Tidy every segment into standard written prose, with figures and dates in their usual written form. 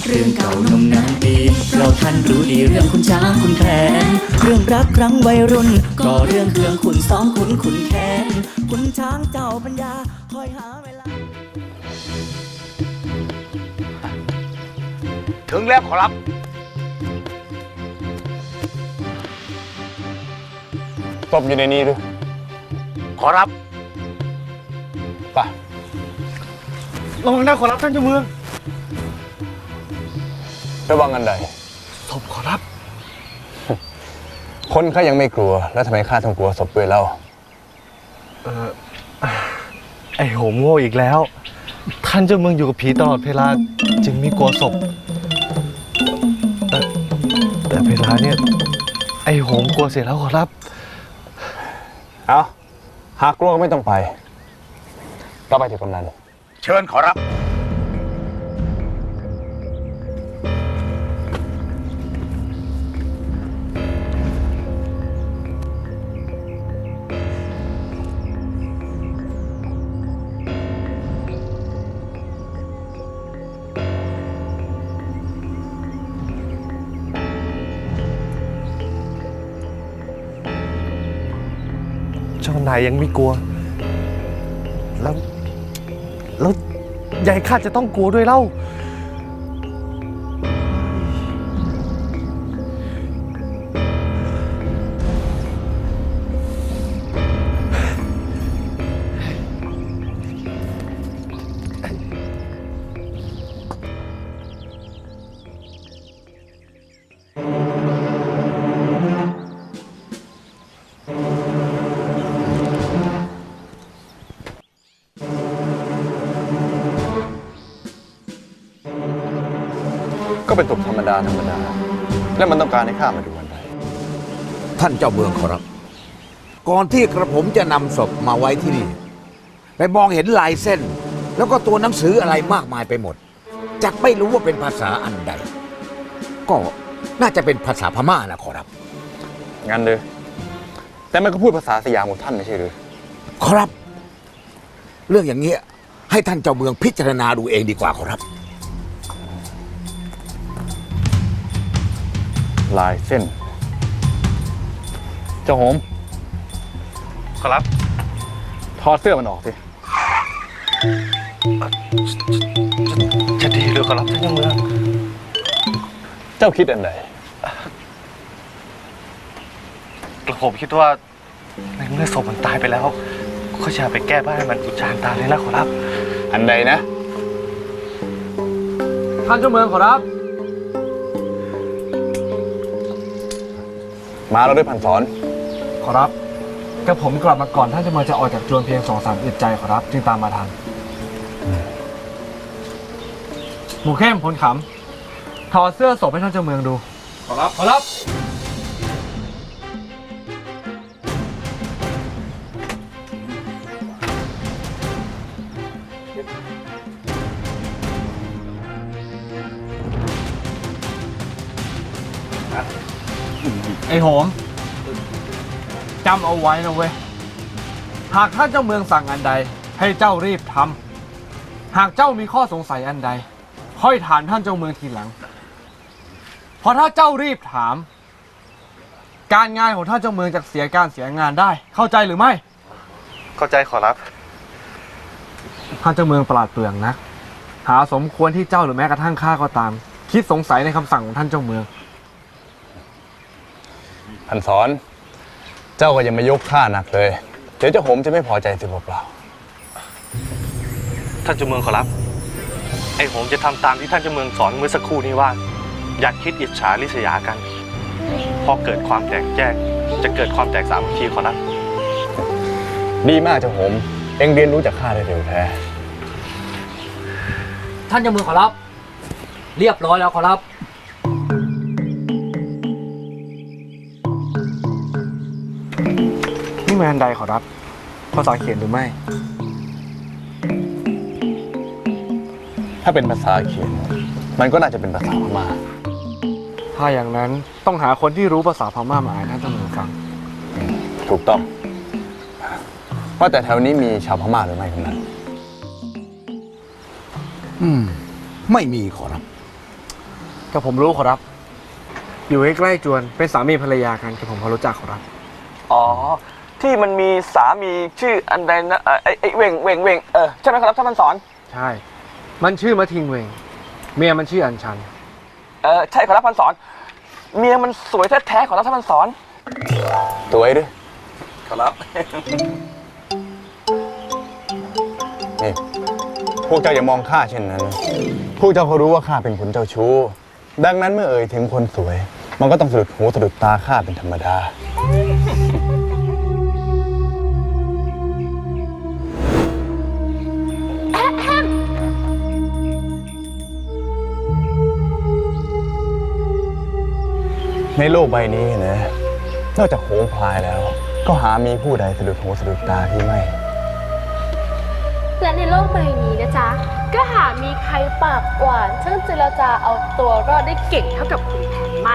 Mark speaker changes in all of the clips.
Speaker 1: เรื่องเก่านมนานปีเราท่านรู้ดีเรื่องคุณช้างคุณแผนเรื่องรักครั้งวัยรุ่นก็เรื่องเครื่องขุนซ้อมขุนแค้นคุณช้างเจ้าปัญญาคอยหาเวลา
Speaker 2: ถึงแล้วขอรับ
Speaker 3: ศพอยู่ในนี้หรือ
Speaker 2: ขอรับ
Speaker 3: ไประวังนะขอรับท่านเจ้าเมืองระวังอันใด
Speaker 2: ศพขอรับ
Speaker 3: คนข้ายังไม่กลัวแล้วทำไมข้าต้องกลัวศพด้วยเล่า
Speaker 4: ไอโหมโง่อีกแล้วท่านเจ้าเมืองอยู่กับผีตลอดเวลาจึงไม่กลัวศพแต่เวลาเนี่ยไอโหมกลัวเสียแล้วขอรับ
Speaker 3: เอาหากกลัวก็ไม่ต้องไปเราไปถึงกำนัน
Speaker 2: เชิญขอรับ
Speaker 4: เจ้านายยังไม่กลัวแล้วยายข้าจะต้องกลัวด้วยเล่า
Speaker 3: ก็เป็นศพธรรมดาแล้วมันต้องการให้ข้ามาดูอันใด
Speaker 5: ท่านเจ้าเมืองขอรับก่อนที่กระผมจะนำศพมาไว้ที่นี่ไปมองเห็นลายเส้นแล้วก็ตัวหนังสืออะไรมากมายไปหมดจักไม่รู้ว่าเป็นภาษาอันใดก็น่าจะเป็นภาษาพม่านะขอรับ
Speaker 3: งั้นเลยแต่มันก็พูดภาษาสยามของท่านไม่ใช่หรือ
Speaker 5: ขอรับเรื่องอย่างเงี้ยให้ท่านเจ้าเมืองพิจารณาดูเองดีกว่าขอรับ
Speaker 3: ลายเส้นเจ้าโหม
Speaker 4: ขอรับ
Speaker 3: ถอดเสื้อมันออกสิ
Speaker 4: จะดีหรือขอรับท่านเจ้าเมือง
Speaker 3: เจ้าคิดอันใด
Speaker 4: กระผมคิดว่าในเมื่อศพมันตายไปแล้วก็จะไปแก้บ้านให้มันอุจจาระตาเลยนะขอรับ
Speaker 3: อันใดนะ
Speaker 1: ท่านเจ้าเมืองขอรับ
Speaker 3: มาเราด้วยพันสอน
Speaker 6: ขอรับกระผมกลับมาก่อนท่านจะมาจะออกจากจวนเพียง2-3 อึดใจขอรับจึงตามมาทันหมูเข้มพลขำถอดเสื้อศพให้ท่านเจ้าเมืองดู
Speaker 4: ขอรับขอรับ
Speaker 6: ไอ้โหมจำเอาไว้นะเว้ยหากท่านเจ้าเมืองสั่งอันใดให้เจ้ารีบทำหากเจ้ามีข้อสงสัยอันใดค่อยถามท่านเจ้าเมืองทีหลังเพราะถ้าเจ้ารีบถามการงานของท่านเจ้าเมืองจะเสียการเสียงานได้เข้าใจหรือไม่
Speaker 4: เข้าใจขอรับ
Speaker 6: ท่านเจ้าเมืองประหลาดเปลืองนะหาสมควรที่เจ้าหรือแม้กระทั่งข้าก็ตามคิดสงสัยในคำสั่งของท่านเจ้าเมือง
Speaker 3: พันสอนเจ้าก็ยังไม่ยกข้าหนักเลยเดี๋ยวเจ้าโหมจะไม่พอใจสิเปล่า
Speaker 4: ท่านเจ้าเมืองขอรับไอ้โหมจะทำตามที่ท่านเจ้าเมืองสอนเมื่อสักครู่นี้ว่าอย่าคิดอิจฉาริษยากันพอเกิดความแตกแยกจะเกิดความแตกสามัคคีขอรับ
Speaker 3: ดีมากเจ้าโหมเอ็งเรียนรู้จากข้าได้เร็วแท้
Speaker 1: ท่านเจ้าเมืองขอรับเรียบร้อยแล้วขอรับ
Speaker 6: นี่แมนใดขอรับภาษาเขียนหรือไม่
Speaker 3: ถ้าเป็นภาษาเขียนมันก็น่าจะเป็นภาษาพม่า
Speaker 6: ถ้าอย่างนั้นต้องหาคนที่รู้ภาษาพม่ามาอ่านให้ท่านเมืองฟัง
Speaker 3: ถูกต้องว่าแต่แถวนี้มีชาวพม่าหรือไม่คนนั้น
Speaker 5: ไม่มีขอรับ
Speaker 6: กับผมรู้ขอรับ อยู่ใกล้ๆจวนเป็นสามีภรรยากันกับผมพอรู้จักขอรับ
Speaker 7: อ๋อ ที่มันมีสามีชื่ออันใดนะไอ้เว่งใช่ไหมครับท่านพันสอน
Speaker 6: ใช่ มันชื่อมะทิงเวงเมียมันชื่ออัญชัน
Speaker 7: ใช่ครับพันสอน เมียมันสวยแท้ๆของท่านพันสอน
Speaker 3: สวยด้วย
Speaker 7: ครับ
Speaker 3: นี่พวกเจ้าอย่ามองข้าเช่นนั้น พวกเจ้าเขารู้ว่าข้าเป็นคนเจ้าชู้ ดังนั้นเมื่อเอ่ยถึงคนสวย มันก็ต้องสะดุดหูสะดุดตาข้าเป็นธรรมดา ในโลกใบนี้นะ นอกจากโหงพลายแล้ว ก็หามีผู้ใดสะดุดหูสะดุดตาที่ไม่
Speaker 8: และในโลกใบนี้นะจ๊ะ ก็หามีใครปากหวานช่างเจรจาเอาตัวรอดได้เก่งเท่ากับคุณแผนไม่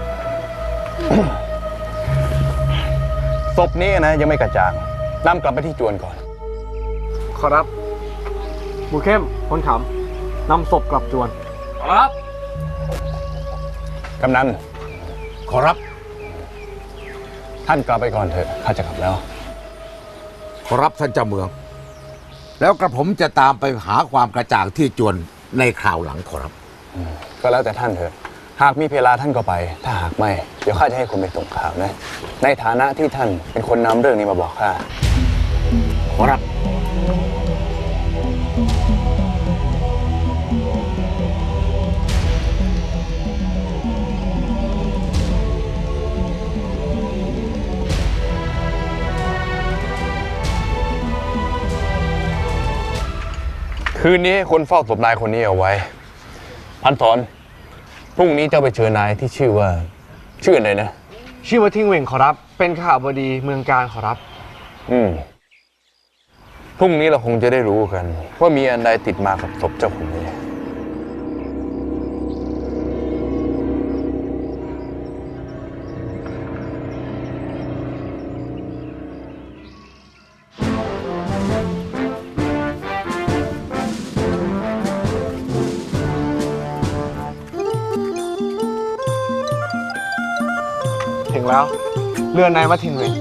Speaker 3: ศพนี้นะยังไม่กระจ่างนำกลับไปที่จวนก่อน
Speaker 6: ขอรับบูเข้มคนขำนำศพกลับจวน ขอรับ
Speaker 3: กำนัน
Speaker 5: ขอรับ
Speaker 3: ท่านกลับไปก่อนเถอะ ข้าจะกลับแล้ว
Speaker 5: ขอรับท่านเจ้าเมือง แล้วกระผมจะตามไปหาความกระจ่างที่จวนในคราวหลังขอรับ
Speaker 3: ก็แล้วแต่ท่านเถอะ หากมีเวลาท่านก็ไป ถ้าหากไม่ เดี๋ยวข้าจะให้คนไปส่งข่าวนะ ในฐานะที่ท่านเป็นคนนำเรื่องนี้มาบอกข้า
Speaker 5: ขอรับ
Speaker 3: คืนนี้ให้คนเฝ้าศพนายคนนี้เอาไว้ พันสอน พรุ่งนี้เจ้าไปเจอนายที่ชื่ออะไรนะ
Speaker 6: ชื่อมะทิงเวงขอรับ เป็นข้าบดีเมืองการขอรับ
Speaker 3: พรุ่งนี้เราคงจะได้รู้กัน ว่ามีอันใดติดมากับศพเจ้าคนนี้
Speaker 6: ถึงแล้ว เรือนนายมะทิงเวง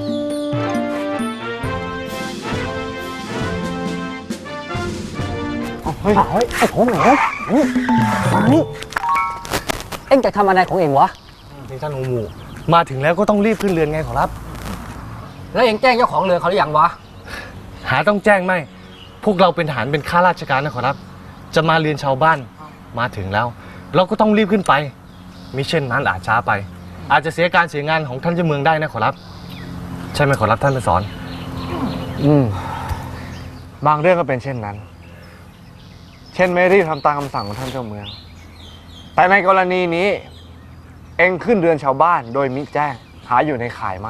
Speaker 9: ไอ้ของเหรอมานี่เอ็งจะทำอะไรของเอ็งวะ
Speaker 4: นี่ท่านองค์หมู่มาถึงแล้วก็ต้องรีบขึ้นเรือนไงขอรับ
Speaker 9: แล้วเอ็งแจ้งเจ้าของเรือเขาหรือยังวะ
Speaker 4: หาต้องแจ้งไหม พวกเราเป็นทหารเป็นข้าราชการนะขอรับ จะมาเรียนชาวบ้าน มาถึงแล้ว เราก็ต้องรีบขึ้นไป มิเช่นนั้นอาจช้าไป อาจจะเสียการเสียงานของท่านเจ้าเมืองได้นะขอรับ ใช่ไหมขอรับท่านไปสอน
Speaker 6: บางเรื่องก็เป็นเช่นนั้น เช่นไม่รีบทำตามคำสั่งของท่านเจ้าเมือง แต่ในกรณีนี้ เอ็งขึ้นเรือนชาวบ้านโดยมิแจ้งหาอยู่ในข่ายไม่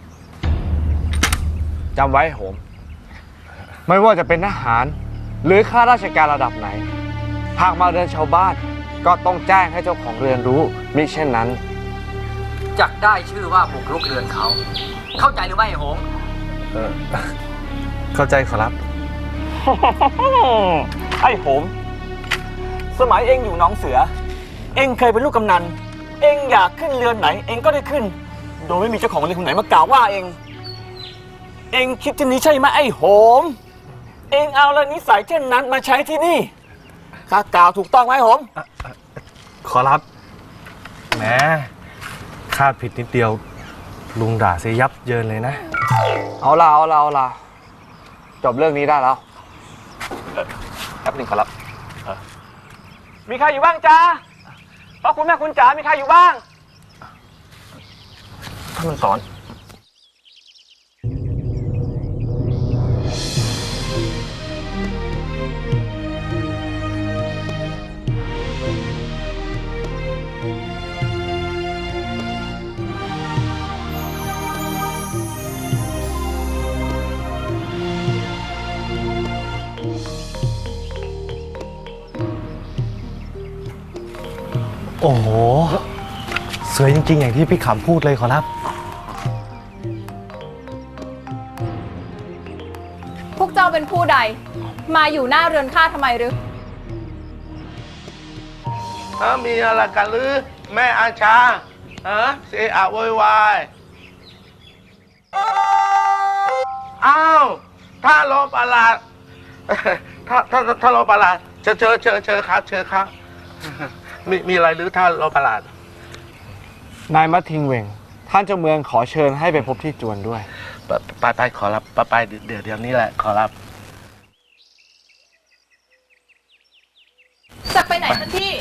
Speaker 6: จำไว้โหม ไม่ว่าจะเป็นทหาร หรือข้าราชการระดับไหน หากมาเรือนชาวบ้านก็ต้องแจ้งให้เจ้าของเรือนรู้มิเช่นนั้น
Speaker 9: จักได้ชื่อว่าบุกรุกเรือนเขา เข้าใจหรือไม่ไอ้โหง
Speaker 4: เข้าใจขอรับ
Speaker 7: ไอ้โหม สมัยเองอยู่หนองเสือ เองเคยเป็นลูกกำนัน เองอยากขึ้นเรือนไหน เองก็ได้ขึ้น โดยไม่มีเจ้าของเรือนคนไหนมากล่าวว่าเอง เองคิดเช่นนี้ใช่ไหมไอ้โหม เองเอาละนิสัยเช่นนั้นมาใช้ที่นี่ข้ากล่าวถูกต้องไหมโหม
Speaker 4: ขอรับแหมข้าผิดนิดเดียว ลุงด่าเสียยับเยินเลยนะ
Speaker 6: เอาล่ะจบเรื่องนี้ได้แล้ว
Speaker 7: แป๊บหนึ่งขอรับ มีใครอยู่บ้างจ๊ะพ่อคุณแม่คุณจ๋า มีใครอยู่บ้าง
Speaker 4: ท่านมันสอน โอ้โห สวยจริงๆ อย่างที่พี่ขำพูดเลยขอรับ
Speaker 10: พวกเจ้าเป็นผู้ใด มาอยู่หน้าเรือนข้าทำไมหรือ
Speaker 11: มีอะไรกันหรือแม่อาชาเสียอะโวยวายอ้าวถ้าโลประหลาดถ้าโลประหลาดเชิญครับมีอะไรหรือถ้าโลประหลาด
Speaker 6: นายมัททิงเหวงท่านเจ้าเมืองขอเชิญให้ไปพบที่จวนด้วย
Speaker 11: ไปขอรับไปเดี๋ยวนี้แหละขอรับ
Speaker 10: จะไปไหนท่านพี่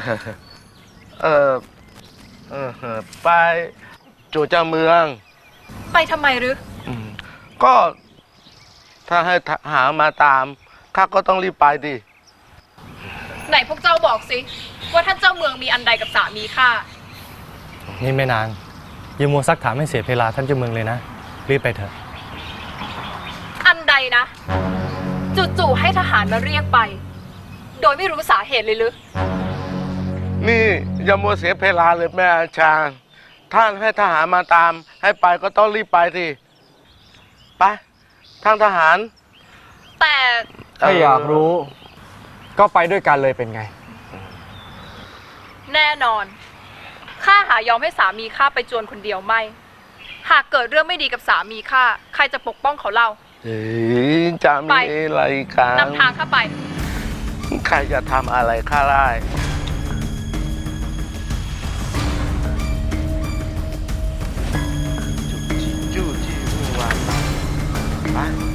Speaker 11: ไปจู่เจ้าเมือง
Speaker 10: ไปทำไมหรือ
Speaker 11: ก็ถ้าให้หามาตามข้าก็ต้องรีบไปดิ
Speaker 10: ไหนพวกเจ้าบอกสิ ว่าท่านเจ้าเมืองมีอันใดกับสามีข้า
Speaker 4: นี่ไม่นานอย่ามัวซักถามให้เสียเวลาท่านเจ้าเมืองเลยนะ รีบไปเถอะ
Speaker 10: อันใดนะ จู่ๆให้ทหารมาเรียกไป โดยไม่รู้สาเหตุเลยหรือ
Speaker 11: นี่อย่ามัวเสียเวลาเลยแม่อาจารย์ท่านให้ทหารมาตามให้ไปก็ต้องรีบไปสิไปทางทหาร
Speaker 10: แต่
Speaker 6: ถ้าอยากรู้ ก็ไปด้วยกันเลยเป็นไง
Speaker 10: แน่นอน ข้าหายอมให้สามีข้าไปจวนคนเดียวไม่ หากเกิดเรื่องไม่ดีกับสามีข้า ใครจะปกป้องเขาเล่า
Speaker 11: จะมีอะไรกัน
Speaker 10: นำทางข้าไป
Speaker 11: ใครจะทำอะไรข้าได้จู้จี้วุ่นวายไป